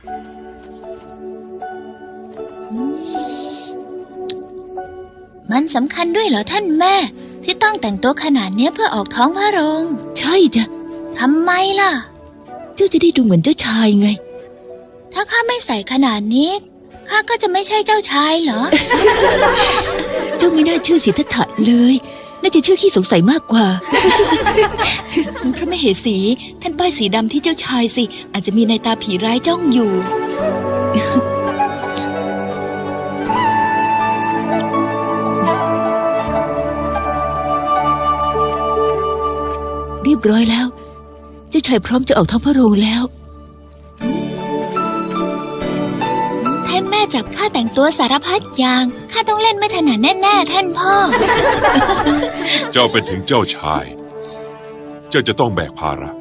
มันสำคัญด้วยเหรอท่านแม่ที่ต้องแต่งตัวขนาดนี้เพื่อออกท้องพระโรงใช่จ้ะทำไมล่ะเจ้าจะได้ดูเหมือนเจ้าชายไงถ้าข้าไม่ใส่ขนาดนี้ข้าก็จะไม่ใช่เจ้าชายเหรอเจ้าไม่น่าชื่อสิทธัตถะเลยน่าจะชื่อขี้สงสัยมากกว่า พระมเหสีท่านป้ายสีดำที่เจ้าชายสิอาจจะมีนายตาผีร้ายจ้องอยู่ เรียบร้อยแล้วเจ้าชายพร้อมจะออกท้องพระโรงแล้วท่านแม่จับข้าแต่งตัวสารพัดอย่างข้าต้องเล่นไม่ถนัดแน่ๆท่านพ่อเจ้าเป็นถึงเจ้าชายเจ้าจะต้องแบกภาระ